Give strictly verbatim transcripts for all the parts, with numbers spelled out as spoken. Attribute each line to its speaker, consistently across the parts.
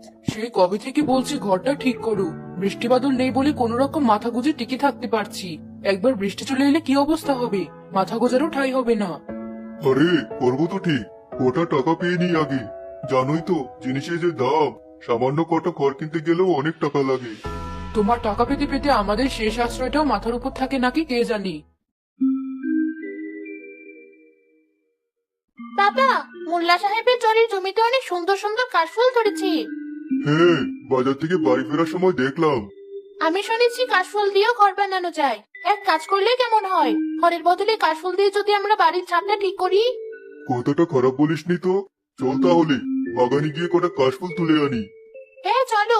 Speaker 1: সেই কবে থেকে বলছি ঘরটা ঠিক করো। বৃষ্টি বাদল নেই বলে কোন রকম মাথা গুঁজে টিকে থাকতে পারছি। একবার বৃষ্টি চলে এলে কি অবস্থা হবে? মাথা গোজারও ঠাঁই হবে না।
Speaker 2: আরে করবো তো ঠিক, ওটা টাকা পেয়ে নি আগে। জানোই তো জিনিসের যে দাম, সামান্য কটা ঘর কিনতে গেলেও অনেক টাকা লাগে।
Speaker 1: তোমার টাকা পেতে পেতে আমাদের শেষ আশ্রয়টাও মাথার উপর থাকে নাকি কে জানি।
Speaker 3: বাবা, মোল্লা সাহেবের চরের জমিতে অনেক সুন্দর সুন্দর কাশফুল ধরেছে।
Speaker 2: হ্যাঁ, বাজার থেকে বাড়ি ফেরার সময় দেখলাম।
Speaker 3: আমি শুনেছি কাশফুল দিয়েও ঘর বানানো যায়। এক কাজ করলে কেমন হয়, ঘরের বদলে কাশফুল দিয়ে যদি আমরা বাড়ির ছাদটা ঠিক করি?
Speaker 2: কথাটা খারাপ বলিসনি তো। চল তাহলে বাগানে গিয়ে কটা কাশফুল তুলে আনি।
Speaker 3: হ্যাঁ চলো।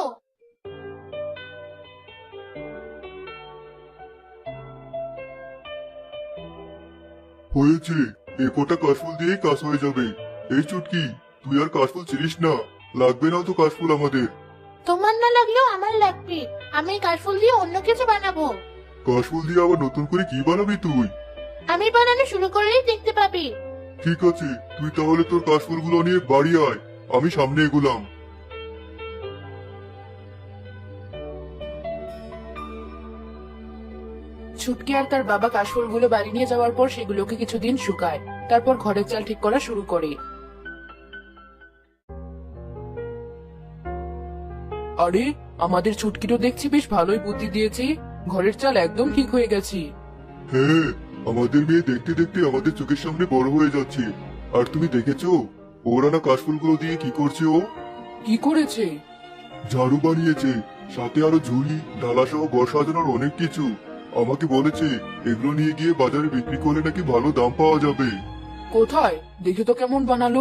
Speaker 2: হয়েছে, এ কটা কাশফুল দিয়েই কাজ হয়ে যাবে। এই চুটকি, তুই আর কাশফুল ছিলিস না। লাগবে না তো কাশফুল আমাদের।
Speaker 3: তোমার না লাগলেও আমার লাগবে। আমি এই কাশফুল দিয়ে অন্য কিছু বানাবো।
Speaker 2: কাশফুল দিয়ে আবার নতুন করে কি বানাবি তুই?
Speaker 3: আমি বানানো শুরু করলেই দেখতে পাবি।
Speaker 2: ঠিক আছে, তুই তাহলে তোর কাশফুলগুলো নিয়ে বাড়ি আয়, আমি সামনে এগুলাম।
Speaker 1: ছুটকি আর তার বাবা কাশফুলগুলো বাড়ি নিয়ে যাওয়ার পর সেগুলোকে কিছুদিন শুকায়। তারপর ঘরের চাল ঠিক করা শুরু করে। আরে, আমাদের ছুটকিরও দেখছি বেশ ভালোই বুদ্ধি দিয়েছে। ঘরের চাল একদম ঠিক হয়ে গেছে।
Speaker 2: হ্যাঁ, আমাদের মেয়ে দেখতে দেখতে আমাদের চোখের সামনে বড় হয়ে যাচ্ছে। আর তুমি দেখেছো ওরা না কাশফুলগুলো দিয়ে কি করছে? ও
Speaker 1: কি করেছে?
Speaker 2: ঝাড়ু বানিয়েছে, সাথে আরো ঝুড়ি ডালা সহ ঘর সাজানোর অনেক কিছু। আমাকে বলেছে এগুলো নিয়ে গিয়ে বাজারে বিক্রি করলে নাকি ভালো দাম পাওয়া যাবে।
Speaker 1: কোথায়? দেখে তো কেমন বানালো।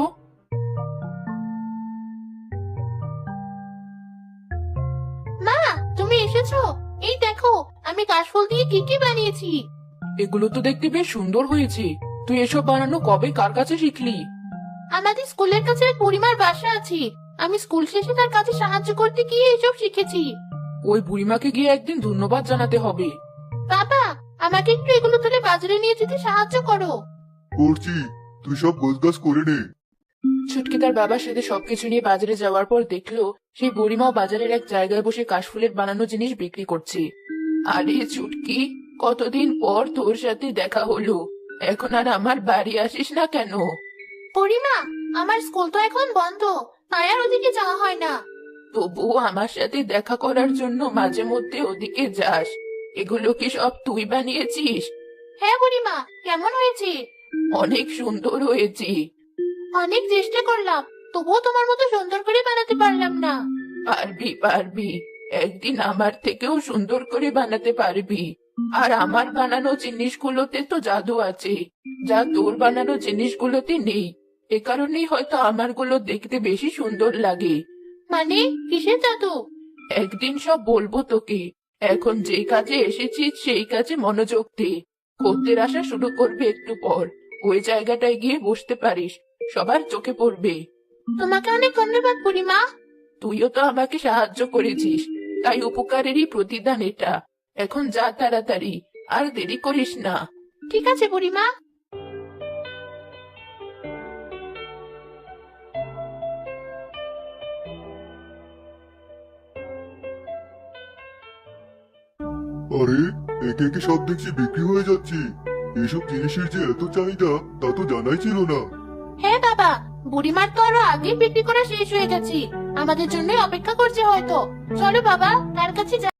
Speaker 3: মা, তুমি এসেছো? এই দেখো, আমি কাশফুল দিয়ে কি কি বানিয়েছি।
Speaker 1: এগুলো তো দেখতে বেশ সুন্দর হয়েছে। তুই এসব বানানো কবে কার কাছে শিখলি?
Speaker 3: আমাদের স্কুলের কাছে এক বুড়িমার বাসা আছে। আমি স্কুল শেষে তার কাছে সাহায্য করতে গিয়ে এসব শিখেছি।
Speaker 1: ওই বুড়িমাকে গিয়ে একদিন ধন্যবাদ জানাতে হবে।
Speaker 3: বাবা, আমাকে একটু এগুলো তুলে বাজারে নিয়ে যেতে সাহায্য করো।
Speaker 2: করছি, তুই সব গোছগাছ করে নে।
Speaker 1: ছুটকি তার বাবার সাথে সবকিছু নিয়ে বাজারে যাওয়ার পর দেখলো সেই বুড়িমাও বাজারের এক জায়গায় বসে কাশফুলের বানানো জিনিস বিক্রি করছে। আরে ছুটকি, কতদিন পর তোর সাথে দেখা হলো। এখন আর আমার বাড়ি আসিস না কেন?
Speaker 3: বুড়িমা, আমার স্কুল তো এখন বন্ধ, তাই আর ওদিকে যাওয়া হয় না।
Speaker 1: তবুও আমার সাথে দেখা করার জন্য মাঝে মধ্যে ওদিকে যাস। এগুলো কি সব তুই বানিয়েছিস?
Speaker 3: হ্যাঁ বুড়িমা, কেমন হয়েছে?
Speaker 1: অনেক সুন্দর হয়েছে।
Speaker 3: অনেক চেষ্টা করলাম, তবুও তোমার মতো সুন্দর করে বানাতে পারলাম না।
Speaker 1: পারবি পারবি, একদিন আমার থেকেও সুন্দর করে বানাতে পারবি। আর আমার বানানো জিনিসগুলোতে তো জাদু আছে, যা তোর বানানো জিনিসগুলোতে নেই। এ কারণেই হয়তো আমারগুলো দেখতে বেশি সুন্দর লাগে।
Speaker 3: মানে, কিসের জাদু?
Speaker 1: একদিন সব বলবো তোকে। এখন যে কাজে এসেছিস সেই কাজে মনোযোগ দে। খদ্দের আসা শুরু করবে একটু পর। ওই জায়গাটায় গিয়ে বসতে পারিস, সবার চোখে পড়বে।
Speaker 3: তোমাকে অনেক ধন্যবাদ বুড়িমা।
Speaker 1: তুইও তো আমাকে সাহায্য করেছিস, তাই উপকারেরই প্রতিদান এটা। এখন যা তাড়াতাড়ি, আর দেরি করিস না।
Speaker 3: ঠিক আছে বুড়িমা।
Speaker 2: আরে, একে একে সব দেখছি বিক্রি হয়ে যাচ্ছে। এসব জিনিসের যে এত চাহিদা তা তো জানাই ছিল না।
Speaker 3: হ্যাঁ বাবা, বুড়িমার তো আরো আগেই বিক্রি করা শেষ হয়ে গেছে। আমাদের জন্য অপেক্ষা করছে হয়তো। চলো বাবা, তার কাছে যাই।